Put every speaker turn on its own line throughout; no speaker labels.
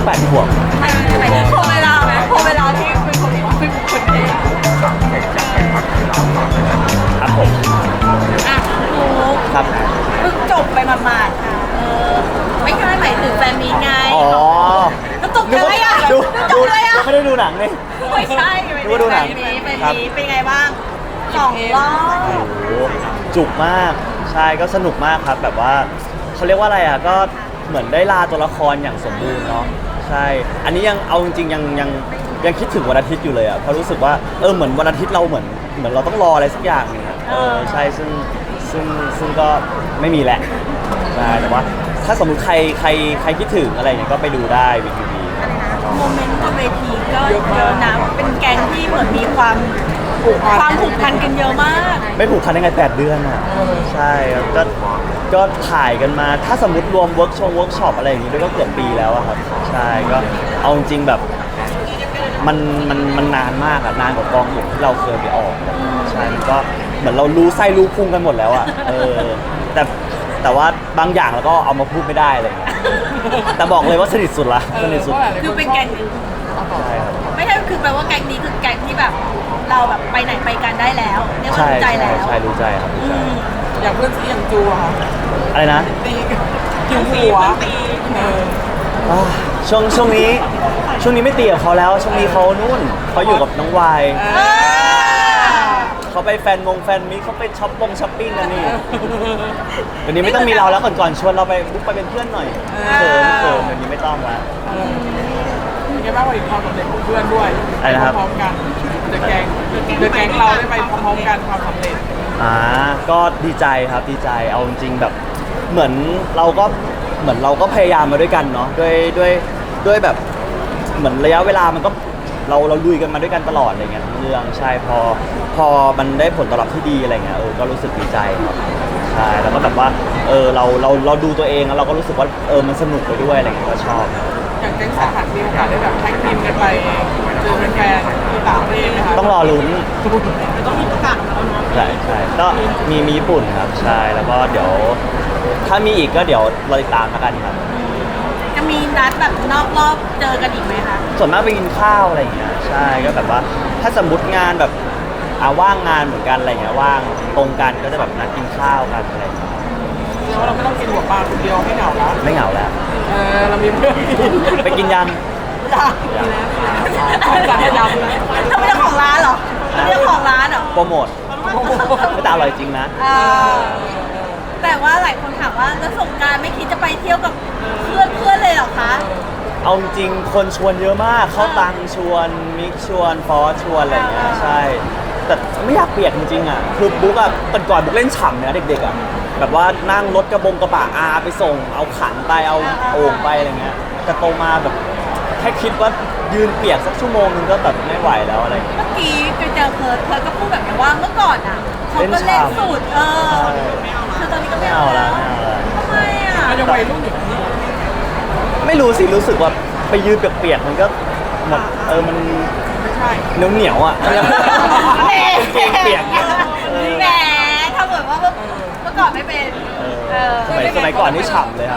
8 ขวบ
พอเวลาไหมพอเวลาที่เป็นคนเอง
ครับผม
อ่ะหนู
ครับ
เพิ่งจบไปหมาดๆค่ะไม่ใช่หมายถึงแฟนมีไง
อ๋อ
แล้วตกใจอะไรอ่ะ
ดู
ตกใจอ่ะ
ไม่ได้ดูหนังเลย
ไม่ใช่
นึกว่าดูหนัง
เป็นไงบ้าง2 รอบ
โอ้โหจุกมากใช่ก็สนุกมากครับแบบว่าเขาเรียกว่าอะไรอ่ะก็เหมือนได้ลาตัวละครอย่างสมบูรณ์เนาะใช่อันนี้ยังเอาจริงๆยังคิดถึงวันอาทิตย์อยู่เลยอ่ะเพราะรู้สึกว่าเหมือนวันอาทิตย์เราเหมือนเราต้องรออะไรสักอย่างนึงอะใช่ซึ่งก็ไม่มีแหละใช่แต่ว่าถ้าสมมุติใครคิดถึงอะไรอย่างเงี้ยก็ไปดูได้วีทีวี
โมเมนต์บนเวทีก็เยอะนะเป็นแก๊งที่เหมือนมีความผูกพันกันเยอะมาก
ไม่ผูกพันได้ไง8 เดือนอ่ะใช่ครับก็ถ่ายกันมาถ้าสมมติรวมเวิร์กช็อปอะไรอย่างนี้ด้วยก็เกือบปีแล้วอะครับใช่ก็เอาจริงๆแบบมันนานมากอะนานกว่ากองอื่นที่เราเคยไปออกใช่มันก็เหมือนเรารู้ไส้รู้พุงกันหมดแล้วอะแต่ว่าบางอย่างเราก็เอามาพูดไม่ได้อะไรอย่างเงี้ยแต่บอกเลยว่าสนิทสุดละสนิทสุด
คือเป็นแก๊ง
ใช่ครับ
ไม่ใช่คือแปลว่าแก๊งนี้คือแก๊งที่แบบเราแบบไปไหนไปกันได้แล้วเรียกว่า
ใช่
รู้ใจแล้ว
ใช่รู้ใจครับรู้ใจ
อย่างเพื่อนซีอย่างจูอะค่ะ
อะไรนะ
ตีจูหัว
อ่าช่วงนี้ไม่ตีกับเขาแล้วช่วงนี้เขานู่นเขาอยู่กับน้องวาย
เออ
เขาไปแฟนมิตเขาไปช้อปปิ้งกันนี่เดี๋ยวนี้ไม่ต้องมีเราแล้วก่อนชวนเราไปบุ๊กไปเป็นเพื่อนหน่อยเขินเดี๋ยวนี้ไม่ต้องละ
เป็นไงบ้างวันนี้ความสำเร็จของเพื่อนด้วย
อะไรนะครับ
พร้อมๆกันเดอะแก๊งเราได้ไปพร้อมๆกันความสำเร็จ
ก็ดีใจครับดีใจเอาจริงๆแบบเหมือนเราก็พยายามมาด้วยกันเนาะด้วยแบบเหมือนระยะเวลามันก็เราลุยกันมาด้วยกันตลอดอะไรเงี้ยทั้งเรื่องใช่พอมันได้ผลตอบรับที่ดีอะไรเงี้ยก็รู้สึกดีใจครับใช่แล้วก็แบบว่าเราดูตัวเองแล้วเราก็รู้สึกว่ามันสนุกไปด้วยอะไรเงี้ยก็ชอบ
อย่างแก๊งสาหัสมีโอกาสได้แบบแท็กทีมกันไปเจอแฟนๆที่ต่างประเทศไหมคะ
ต้องรอลุ้น
ต้องมีประกาศออกมาแล้วเนาะ
ใช่ก็มีญี่ปุ่นครับใช่แล้วก็เดี๋ยวถ้ามีอีกก็เดี๋ยวเราติดตามแล้วกันครับ
จะมีนัดแบบนอกรอบเจอกันอีกไหมคะ
ส่วนมากไปกินข้าวอะไรอย่างเงี้ยใช่ก็แบบว่าถ้าสมมติงานแบบว่างงานเหมือนกันอะไรเงี้ยว่างตรงกันก็จะแบบนัดกินข้าวกันอะไรอย่างเงี้ย
แล้วเราไม่ต้องกินหัวปลาคนเดียวให้เหงาแล้ว
ไม่เหงาแล้ว
เรามีเพื่อนกิน
ไปกินยัง
สั่งยำนะ
เขาเป็นเจ้าของร้านเหรอเป็นเจ้าของร้านเหรอ
โปรโมทไม่แต่อร่อยจริงนะ
แต่ว่าหลายคนถามว่าแล้วสงกรานต์ไม่คิดจะไปเที่ยวกับเพื่อนเลยเหรอคะ
เอาจริงคนชวนเยอะมากเข้าตังชวนมิกชวนฟอสชวนอะไรอย่างเงี้ยใช่แต่ไม่อยากเปียกจริงๆอ่ะคือบุ๊กอ่ะก่อนบุ๊กเล่นฉ่ำเนี่ยเด็กๆอ่ะแบบว่านั่งรถกระบะอาไปส่งเอาขันไปเอาโอ่งไปอะไรเงี้ยแต่โตมาแบบแค่คิดว่ายืนเปียกสักชั่วโมงนึงก็แบบไม่ไหวแล้วอะไรเงี้ย
เมื่อกี้ไปเจอเพิร์ดก็พูดแบบนี้ว่าเมื่อก่อนอ่ะเขาก็เล่นสูตรคือตอนนี้ก็ไม่เอาแล้วทำไมอ่ะ
เราจะวัยรุ่นอยู่ที่
ไม่รู้สิรู้สึกว่าไปยืนเปียกๆมันก็หมดมัน
ไม่ใช่
เหนียวอ่ะ
แหม
เปียก
แหมถ้าเกิดว่าเมื่อก่อนไม่เป็น
สมัยก่อนนี่ฉ่ำเลยครับ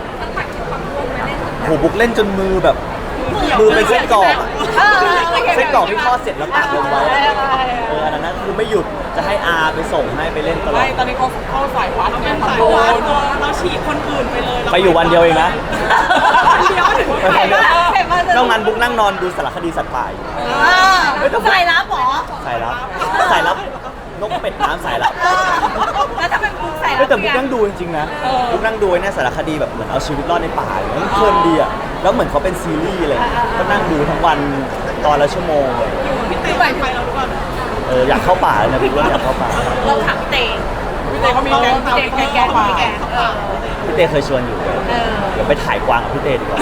โหบุกเล่นจนมือแบบมือเป็นเส้นกรอกอะเส้นกรอกที่ทอดเสร็จแล้วตากลงไว้อันนั้นคือไม่หยุดจะให้อาไปส่งให้ไปเล่นตลอ
ไม่
ด
ตอนนี้เขาเข้าสายวัดเนี่ยทำโดนเราฉีดคนอื่นไปเลย
ไปอยู่วันเดียวเองนะ
เดียวถึง
เห็นป่ะ
นอกนั้นบุ๊กนั่งนอนดูสารคดีสัตว์ป่าอยู่
ใส่รับหรอ
สายลับนกเป็ดน้ำสายลับ
แล้วถ้าเป็นบุ๊กใส่
เฮ้ยแต่บุ๊กนั่งดูจริงๆนะบุ๊กนั่งดูไอ้เนี่ยสารคดีแบบเหมือนเอาชีวิตรอดในป่าอย่างเงี้ยมันเพลินดีอ่ะแล้วเหมือนเขาเป็นซีรีส์อะไรก็นั่งดูทั้งวันตอนละชั่วโมงเลย
พี่เต้ไปเราหรือเปล่า
อยากเข้าป่าเลยนะบุ๊กว่าอยากเข้าป่า
เราถามเต้
พี่เต้เขามีแก๊งตามที่เขา
แก
เข้าป่า
พี่เต้เคยชวนอยู่เลยเดี๋ยวไปถ่ายกวางกับพี่เต้ดีกว่า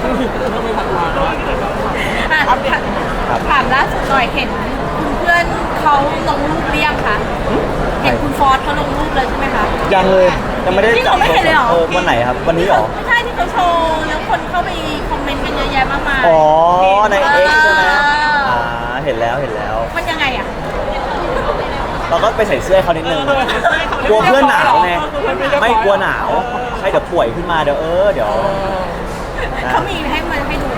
ถามล่าสุดหน่อยเห็นคุณเพื่อนเขาลงรูปเรียงคะเห็นคุณฟอสเขาลงรูปเลยใช่ไหมคะ
ยังเลยยังไม่ได้
นี่เราไม่เห็นเลยเหรอ
วันไหนครับวันนี้เหรอ
ไม่ใช่ที่เขาโชว์แล้วคนเข้าไปคอมเมนต์กันเยอะแยะมากมาย
อ๋อใน X ใช่ไหมเห็นแล้ว
มันยังไงอ่ะ
เราก็ไปใส่เสื้อให้เขานิดนึงกลัวเพื่อนหนาวไงไม่กลัวหนาวใช่เดี๋ยวป่วยขึ้นมาเดี๋ยว
เขามีให้มันให้ดูไหม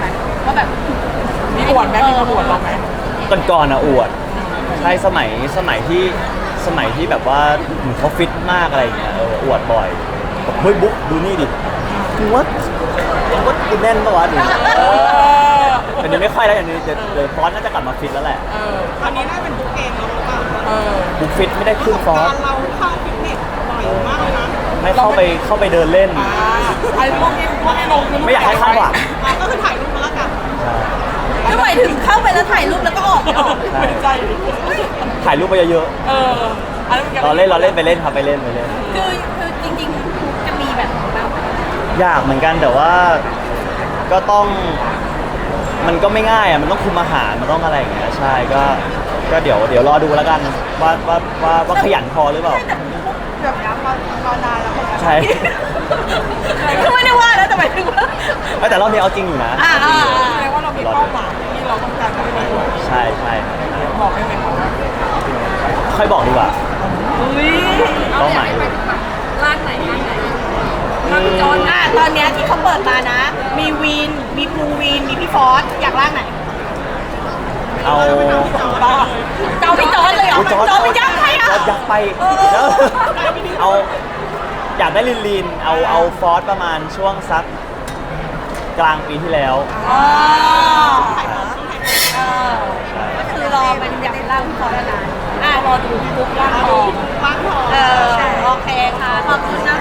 ว่าแบบ
มีอวดไหมมีมาอวดเราไหม
ก่อนๆอะอวดใช่สมัยที่แบบว่าเขาฟิตมากอะไรอย่างเงี้ยอวดบ่อยบอกเฮ้ยบุ๊กดูนี่ดิกูว่ากูแน่นปะวะดิแต่เดี๋ยวไม่ค่อยแล้วอย่างนี้เดี๋ยวฟอนต์น่าจะกลับมาฟิตแล้วแหละ
ตอนนี้น่าเป็นบุ๊กเองแล้วหรือเปล่า
บุ๊กฟิตไม่ได้ขึ้นฟอนต์
เราเข้าฟิตเนสบ่อยมากเลยนะ
ไม่เข้าไปเดินเล่น
ไอ้พวกนี้ลงคือ
ไม่อยากให้คาดหวัง
ก็คือถ่ายรูปมาแล้วกัน
ก็หมายถึงเข้าไปแล้วถ่ายรูปแล้วก็ออกไม่ออก
ไม่ใจ
ถ่ายรูปไปเยอะ
อันนั้น
ๆเราเล่นไปเล่นครับไปเล่น
คือจริงๆจะมีแบบบ้าง
ยากเหมือนกันแต่ว่าก็ต้องมันก็ไม่ง่ายอ่ะมันต้องคุมอาหารมันต้องอะไรอย่างเงี้ยใช่ก็เดี๋ยวรอดูแล้วกันว่าขยันพอหรือเปล่า
แบบนี้มานานแล้วเหมือนกัน
ใช่
คือไม่ได้ว่าแล้วแต่หมายถึงว่า
แต่รอบนี้เอาจริงอยู่นะ
แสดงว่าเรามีเป้าหมายที่เราต้องการจะไปด้วย
ใช่
บอกได้ไหมครับ
ค่อยบอกดีกว่า
อุ้ย
เป้าหมาย
ร้านไหนจอนตอนเนี้ยที่เขาเปิดมานะ มีวีนมีภูวีนมีพี่ฟอสอยากร่างไหน
เอา
เจ้าพี่จอนเลยเหรอ
อุ๊ย
จอนไปยักษ์ใครอ่ะ
จอร์จยักษ์ไปเอาอยากได้ลินเอาฟอสประมาณช่วงสักกลางปีที่แล้ว
อ๋อก็คือรอเป็นอยากร่างพี่ฟอสนาน
รอดูพี่บุ๊กร่างทอง
บ้านทอง
โอเคค่ะขอบคุณนะ